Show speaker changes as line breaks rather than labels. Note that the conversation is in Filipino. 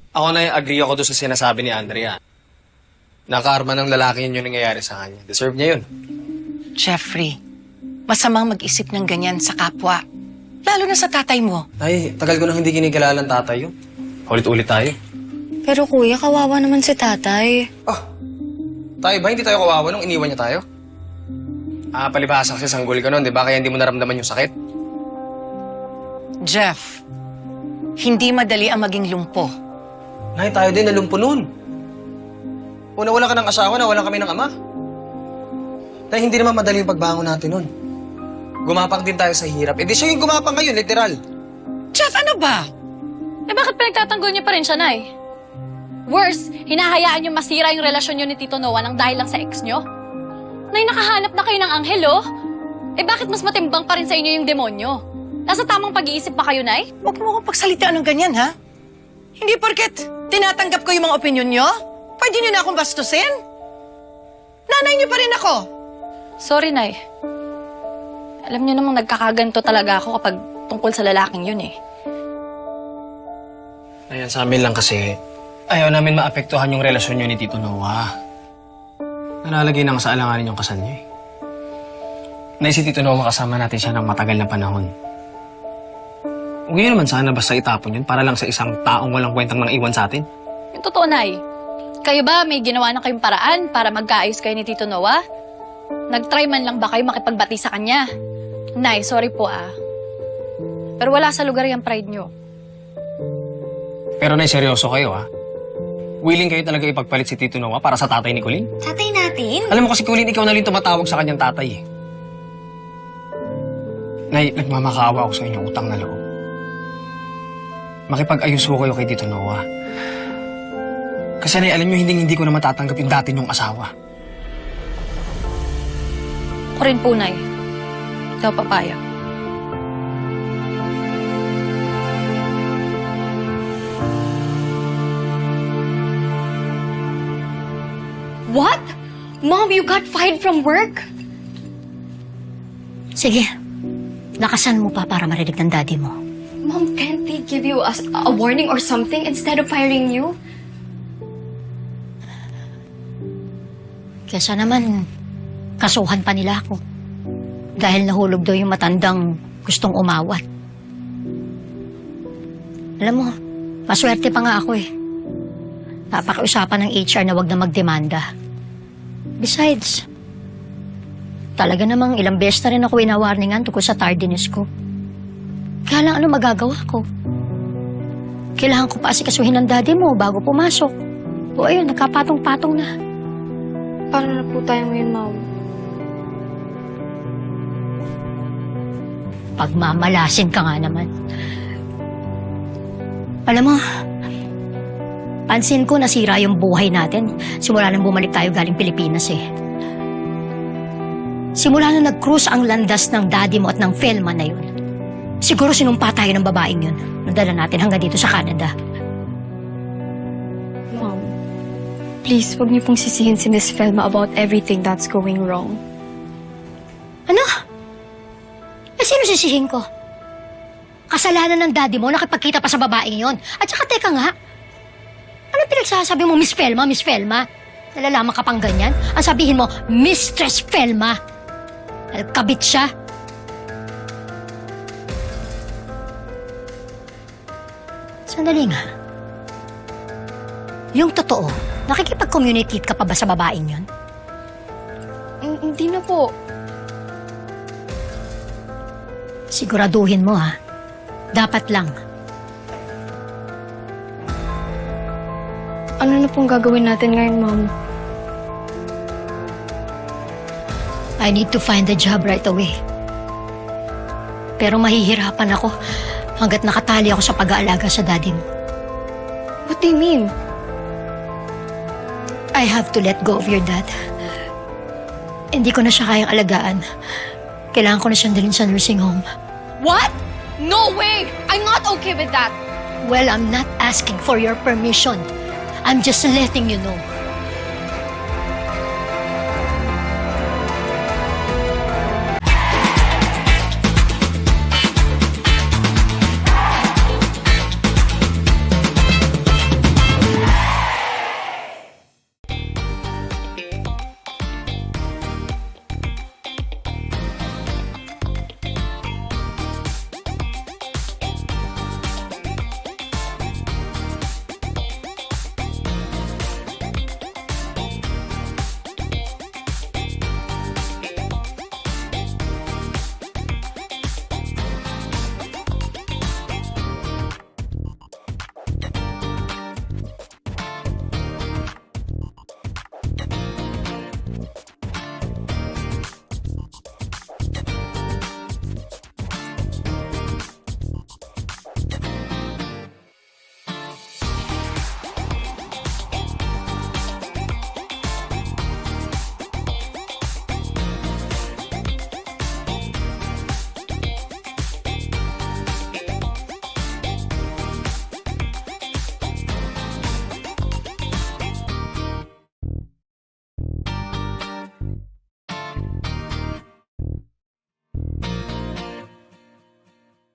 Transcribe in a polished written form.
Ako na agree ako doon sa sinasabi ni Andrea. Nakaarma ng lalaki yun yung nangyayari sa kanya. Deserve niya yun.
Jeffrey, masamang mag-isip ng ganyan sa kapwa. Lalo na sa tatay mo.
Ay, tagal ko nang hindi kinikalala ng tatay yun. Ulit-ulit tayo.
Pero kuya, kawawa naman si tatay.
Ah, tayo ba? Hindi tayo kawawa nung iniwan niya tayo? Palibhasa kasi sanggol ka nun, di ba? Kaya hindi mo naramdaman yung sakit.
Jeff, hindi madali ang maging lumpo.
Nay, tayo din nalumpo nun. Una, wala ka ng asawa na wala kami ng ama. Nay, hindi naman madali yung pagbangon natin nun. Gumapang din tayo sa hirap. Di siya yung gumapang ngayon, literal.
Jeff, ano ba?
Eh bakit pinagtatanggol niyo pa rin siya, Nay? Worse, hinahayaan niyo masira yung relasyon niyo ni Tito Noah nang dahil lang sa ex niyo? Nay, nakahanap na kayo ng anghel, oh. Eh bakit mas matimbang pa rin sa inyo yung demonyo? Nasa tamang pag-iisip pa kayo, Nay?
Huwag mo akong pagsalitaan ng ganyan, ha? Hindi porket tinatanggap ko yung mga opinion nyo, pwede nyo na akong bastusin? Nanay nyo pa rin ako.
Sorry, Nay. Alam niyo namang nagkakaganto talaga ako kapag tungkol sa lalaking yun, eh.
Ayan, sa amin lang kasi, ayaw namin maapektuhan yung relasyon niyo ni Tito Noah. Nalalagay na nga sa alanganin yung kasal niyo, eh. Na si Tito Noah kasama natin siya ng matagal na panahon. Huwag niyo naman sana basta itapon yun para lang sa isang taong walang kwentang nang iwan sa atin.
Yung totoo, Nay. Kayo ba may ginawa na kayong paraan para magkaayos kayo ni Tito Noah? Nag-try man lang ba kayo makipagbati sa kanya? Nay, sorry po, ah. Pero wala sa lugar yung pride niyo.
Pero Nay, seryoso kayo, ha? Willing kayo talaga ipagpalit si Tito Noah para sa tatay ni Colleen?
Tatay natin?
Alam mo kasi Colleen, ikaw na rin tumatawag sa kanyang tatay, eh. Nay, nagmamakaawa ako sa inyong utang na loob. Makipag-ayos ko kayo kay Tito Noah. Kasi Nay, alam nyo, hindi ko na matatanggap yung dati niyong asawa.
Ako rin po, Nay. Ikaw papaya.
What? Mom, you got fired from work?
Sige, lakasan mo pa para marinig ng daddy mo.
Mom, can't they give you a warning or something instead of firing you?
Kesa naman, kasuhan pa nila ako. Dahil nahulog daw yung matandang gustong umawat. Alam mo, maswerte pa nga ako eh. Napakiusapan ng HR na wag na magdemanda. Besides, talaga namang ilang beses na rin ako inawarningan tungkol sa tardiness ko. Kaya lang ano magagawa ko? Kailangan ko pa asikasuhin ng daddy mo bago pumasok. O ayun, nagkapatong-patong na.
Paano na po tayo ngayon, Mom?
Pagmamalasin ka nga naman. Alam mo, pansin ko nasira yung buhay natin simula nang bumalik tayo galing Pilipinas eh. Simula na nag-cruise ang landas ng daddy mo at ng Felma na yun. Siguro sinumpa tayo ng babaeng yun. Nadala natin hanggang dito sa Canada.
Mom, please, huwag niyo pong sisihin si Miss Felma about everything that's going wrong.
Ano? Eh, sino sisihin ko? Kasalanan ng daddy mo nakipagkita pa sa babaeng yon. At saka teka nga, ano pinagsasabi mo, Miss Felma, Miss Felma? Nalalaman ka pang ganyan? Ang sabihin mo, Mistress Felma. Kabit siya. Sandali nga. Yung totoo, nakikipag-communicate ka pa ba sa babaeng yon?
Hindi na po.
Siguraduhin mo ha. Dapat lang.
Ano na pong gagawin natin ngayon, Mom?
I need to find a job right away. Pero mahihirapan ako hanggat nakatali ako sa pag-aalaga sa daddy mo.
What do you mean?
I have to let go of your dad. Hindi ko na siya kayang alagaan. Kailangan ko na siyang dalhin sa nursing home.
What? No way! I'm not okay with that!
Well, I'm not asking for your permission. I'm just letting you know.